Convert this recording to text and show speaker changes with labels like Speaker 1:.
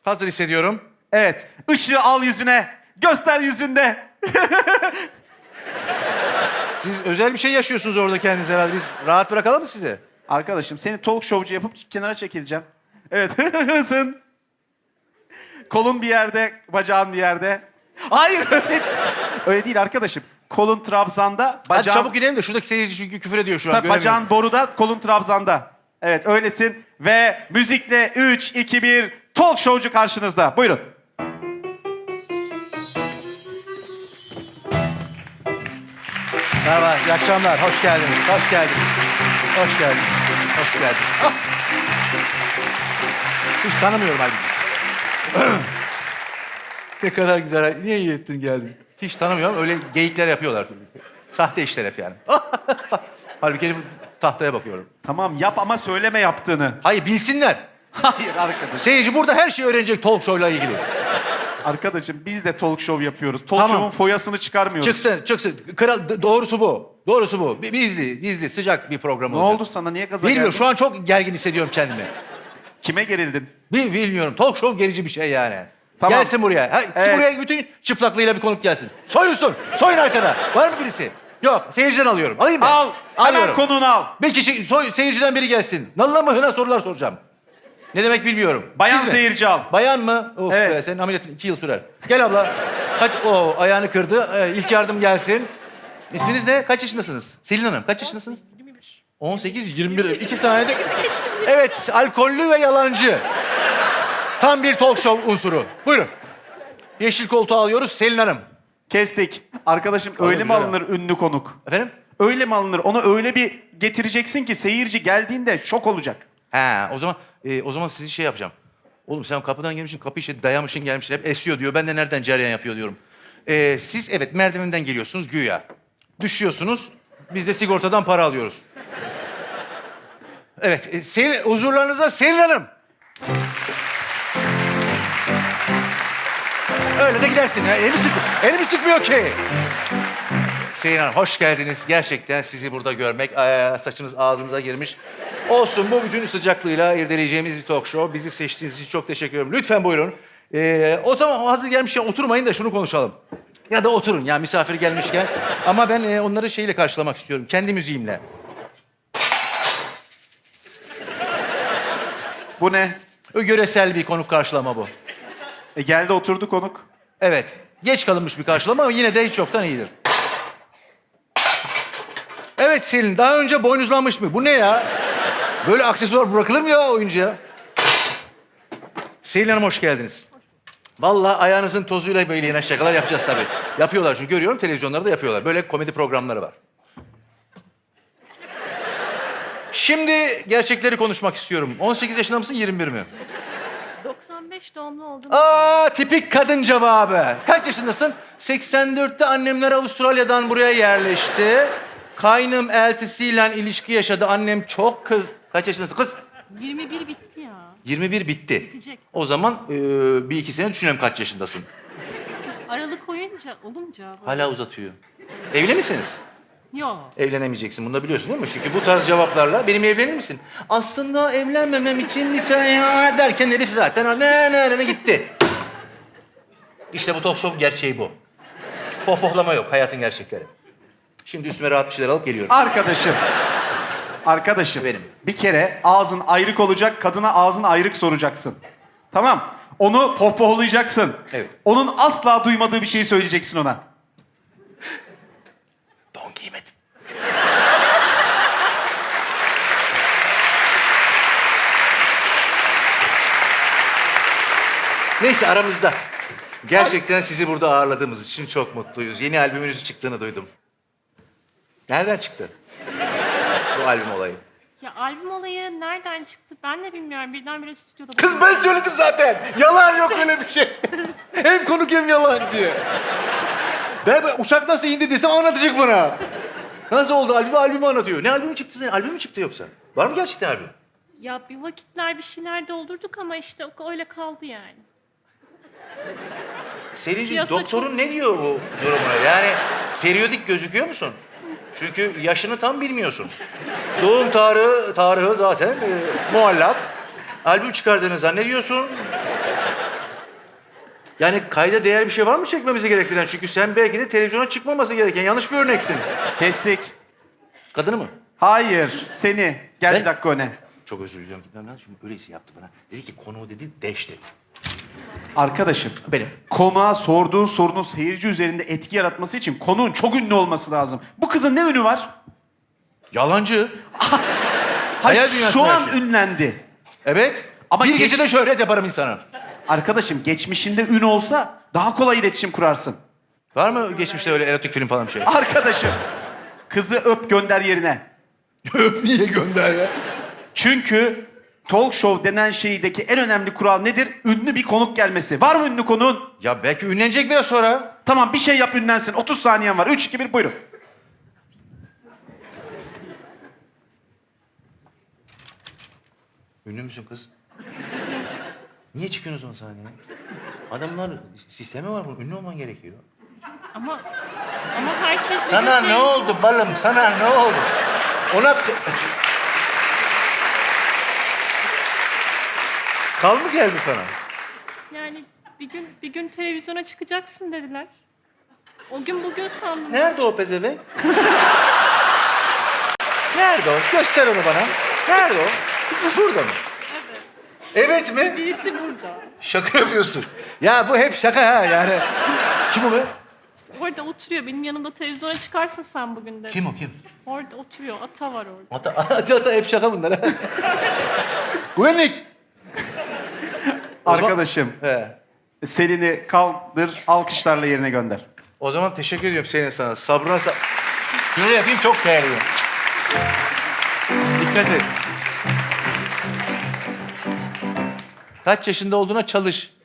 Speaker 1: Hazır hissediyorum.
Speaker 2: Evet. Işığı al yüzüne. Göster yüzünde.
Speaker 1: Siz özel bir şey yaşıyorsunuz orada kendinize herhalde. Biz rahat bırakalım mı sizi?
Speaker 2: Arkadaşım seni talk showcu yapıp kenara çekileceğim. Evet. Hızın. Kolun bir yerde, bacağın bir yerde. Hayır öyle, öyle değil arkadaşım. Kolun trabzanda,
Speaker 1: Hadi
Speaker 2: bacağın...
Speaker 1: çabuk gidelim de şuradaki seyirci çünkü küfür ediyor şu an.
Speaker 2: Tabii bacağın boruda, kolun trabzanda. Evet öylesin. Ve müzikle 3, 2, 1 talk showcu karşınızda. Buyurun.
Speaker 1: Merhaba, iyi akşamlar. Hoş geldiniz. Hoş geldiniz. Hoş geldiniz. Hoş geldiniz. Ah! Hiç tanımıyorum halbuki. Ne kadar güzel. Niye iyi ettin geldin? Hiç tanımıyorum. Öyle geyikler yapıyorlar. Sahte işler hep yani. Halbuki benim tahtaya bakıyorum.
Speaker 2: Tamam yap ama söyleme yaptığını.
Speaker 1: Hayır bilsinler.
Speaker 2: Hayır arkadaş.
Speaker 1: Seyirci burada her şeyi öğrenecek talk show'la ilgili.
Speaker 2: Arkadaşım biz de talk show yapıyoruz. Talk
Speaker 1: Tamam.
Speaker 2: show'un foyasını çıkarmıyoruz.
Speaker 1: Çıksın, çıksın. Kral, doğrusu bu. Doğrusu bu. Bizli, sıcak bir program
Speaker 2: Ne
Speaker 1: olacak.
Speaker 2: oldu sana? Niye gaza
Speaker 1: Bilmiyorum.
Speaker 2: geldin?
Speaker 1: Şu an çok gergin hissediyorum kendimi.
Speaker 2: Kime gerildin?
Speaker 1: Bilmiyorum. Talk show gerici bir şey yani.
Speaker 2: Tamam.
Speaker 1: Gelsin buraya. Ha,
Speaker 2: Evet.
Speaker 1: Buraya bütün çıplaklığıyla bir konuk gelsin. Soyunsun. Soyun arkada. Var mı birisi? Yok. Seyirciden alıyorum. Alayım mı?
Speaker 2: Al. Hemen
Speaker 1: Alıyorum.
Speaker 2: konuğunu al.
Speaker 1: Bir kişi seyirciden biri gelsin. Nalına mı hına sorular soracağım. Ne demek bilmiyorum.
Speaker 2: Bayan
Speaker 1: Siz mi?
Speaker 2: seyirci al.
Speaker 1: Bayan mı? Of
Speaker 2: Evet.
Speaker 1: be, senin ameliyatın 2 yıl sürer. Gel abla. Ayağını kırdı. İlk yardım gelsin. İsminiz ne? Kaç yaşındasınız? Selin Hanım kaç yaşındasınız? 18, 21. 2 saniyede... Evet, alkollü ve yalancı. Tam bir talk show unsuru. Buyurun. Yeşil koltuğu alıyoruz Selin Hanım.
Speaker 2: Kestik. Arkadaşım öyle mi
Speaker 1: güzel.
Speaker 2: alınır ünlü konuk?
Speaker 1: Efendim?
Speaker 2: Öyle mi alınır? Onu öyle bir getireceksin ki seyirci geldiğinde şok olacak.
Speaker 1: Ha, o zaman sizi şey yapacağım. Oğlum sen kapıdan gelmişsin, kapıyı işte dayamışsın gelmişsin hep esiyor diyor. Ben de nereden cereyan yapıyor diyorum. Siz evet merdivenden geliyorsunuz güya. Düşüyorsunuz. Biz de sigortadan para alıyoruz. Evet, huzurlarınıza Selin Hanım. Öyle de gidersin. Ya. Elimi sıkmıyor ki. Selin Hanım hoş geldiniz. Gerçekten sizi burada görmek, saçınız ağzınıza girmiş. Olsun bu bütün sıcaklığıyla irdeleyeceğimiz bir talk show. Bizi seçtiğiniz için çok teşekkür ederim. Lütfen buyurun. O zaman hazır gelmişken oturmayın da şunu konuşalım. Ya da oturun ya misafir gelmişken. Ama ben onları şeyle karşılamak istiyorum. Kendi müziğimle.
Speaker 2: Bu ne?
Speaker 1: Yöresel bir konuk karşılama bu.
Speaker 2: Geldi oturdu konuk.
Speaker 1: Evet. Geç kalınmış bir karşılama ama yine de hiç yoktan iyidir. Evet Selin, daha önce boynuzlanmış mı? Bu ne ya? Böyle aksesuar bırakılır mı ya oyuncuya? Selin Hanım hoş geldiniz. Vallahi ayağınızın tozuyla böyle yine şakalar yapacağız tabii. Yapıyorlar çünkü görüyorum televizyonlarda yapıyorlar. Böyle komedi programları var. Şimdi gerçekleri konuşmak istiyorum. 18 yaşında mısın, 21 mi?
Speaker 3: 95 doğumlu oldum.
Speaker 1: Tipik kadın cevabı. Kaç yaşındasın? 84'te annemler Avustralya'dan buraya yerleşti. Kaynım eltisiyle ilişki yaşadı. Annem çok kız... Kaç yaşındasın kız?
Speaker 3: 21 bitti ya.
Speaker 1: 21 bitti.
Speaker 3: Bitecek.
Speaker 1: O zaman bir iki sene düşünelim kaç yaşındasın.
Speaker 3: Aralık olunca böyle.
Speaker 1: Hala uzatıyor. Evli misiniz?
Speaker 3: Yok.
Speaker 1: Evlenemeyeceksin. Bunu da biliyorsun değil mi? Çünkü bu tarz cevaplarla benimle evlenir misin? Aslında evlenmemem için lise ya derken herif zaten ne gitti. İşte bu talk show gerçeği bu. Pohpohlama yok. Hayatın gerçekleri. Şimdi üstüme rahat bir şeyler alıp geliyorum.
Speaker 2: Arkadaşım. Arkadaşım.
Speaker 1: Benim.
Speaker 2: Bir kere ağzın ayrık olacak, kadına ağzın ayrık soracaksın. Tamam. Onu pohpohlayacaksın.
Speaker 1: Evet.
Speaker 2: Onun asla duymadığı bir şeyi söyleyeceksin ona.
Speaker 1: Don giymedim. Neyse aramızda. Gerçekten sizi burada ağırladığımız için çok mutluyuz. Yeni albümünüzün çıktığını duydum. Nereden çıktı bu albüm olayı?
Speaker 3: Ya albüm olayı nereden çıktı ben de bilmiyorum. Birdenbire stüdyoda...
Speaker 1: Kız ben söyledim zaten. Yalan yok öyle bir şey. Hem konuk hem yalancı. Ben uçak nasıl indi desem anlatacak bana. Nasıl oldu? Albümü anlatıyor. Ne albümü çıktı senin? Albüm mü çıktı yoksa? Var mı gerçekten albüm?
Speaker 3: Ya bir vakitler bir şeyler doldurduk ama işte öyle kaldı yani.
Speaker 1: Selin'ciğim
Speaker 3: Piyasa
Speaker 1: doktorun
Speaker 3: çok-
Speaker 1: ne diyor bu durumuna? Yani periyodik gözüküyor musun? Çünkü yaşını tam bilmiyorsun. Doğum tarihi zaten muallak. Albüm çıkardığını zannediyorsun. Yani kayda değer bir şey var mı çekmemizi gerektiren? Çünkü sen belki de televizyona çıkmaması gereken yanlış bir örneksin.
Speaker 2: Kestik.
Speaker 1: Kadını mı?
Speaker 2: Hayır, seni. Gel
Speaker 1: Ben-
Speaker 2: bir dakika öne.
Speaker 1: Çok özür diliyorum gitmem lazım. Şimdi öyleyse yaptı bana. Dedi ki konuğu dedi deş dedi.
Speaker 2: Arkadaşım,
Speaker 1: Benim.
Speaker 2: konuğa sorduğun sorunun seyirci üzerinde etki yaratması için konuğun çok ünlü olması lazım. Bu kızın ne ünü var?
Speaker 1: Yalancı.
Speaker 2: Hayır,
Speaker 1: Hayal dünyasında
Speaker 2: şu an
Speaker 1: yaşıyor.
Speaker 2: ünlendi.
Speaker 1: Evet.
Speaker 2: Ama
Speaker 1: bir
Speaker 2: geç-
Speaker 1: gecede şöhret yaparım insana.
Speaker 2: Arkadaşım, geçmişinde ün olsa daha kolay iletişim kurarsın.
Speaker 1: Var mı geçmişte öyle erotik film falan bir şey?
Speaker 2: Arkadaşım, kızı öp gönder yerine.
Speaker 1: Öp niye gönder ya?
Speaker 2: Çünkü talk show denen şeydeki en önemli kural nedir? Ünlü bir konuk gelmesi. Var mı ünlü konuğun?
Speaker 1: Ya belki ünlenecek biraz sonra.
Speaker 2: Tamam, bir şey yap ünlensin. 30 saniyen var. 3, 2, 1 buyurun.
Speaker 1: Ünlü müsün kız? Niye çıkıyorsun o zaman sahneye? Adamlar sistemi var bunun. Ünlü olman gerekiyor.
Speaker 3: Ama herkes...
Speaker 1: Sana ne oldu balım? Sana ne oldu? Ona... Kal mı geldi sana?
Speaker 3: Yani bir gün televizyona çıkacaksın dediler. O gün bugün sandım.
Speaker 1: Nerede o pezevenk? Nerede o? Göster onu bana. Nerede o? Burada mı?
Speaker 3: Evet.
Speaker 1: Evet mi?
Speaker 3: Birisi burada.
Speaker 1: Şaka yapıyorsun. Ya bu hep şaka ha yani. Kim o be?
Speaker 3: Orada oturuyor. Benim yanımda televizyona çıkarsın sen bugün dedi.
Speaker 1: Kim o kim?
Speaker 3: Orada oturuyor. Ata var orada.
Speaker 1: Ata hep şaka bunlar ha. Güvenlik.
Speaker 2: Arkadaşım,
Speaker 1: He.
Speaker 2: Selin'i kaldır, alkışlarla yerine gönder.
Speaker 1: O zaman teşekkür ediyorum senin sana. Sabrına Şöyle yapayım çok değerliyim. Dikkat et. Kaç yaşında olduğuna çalış.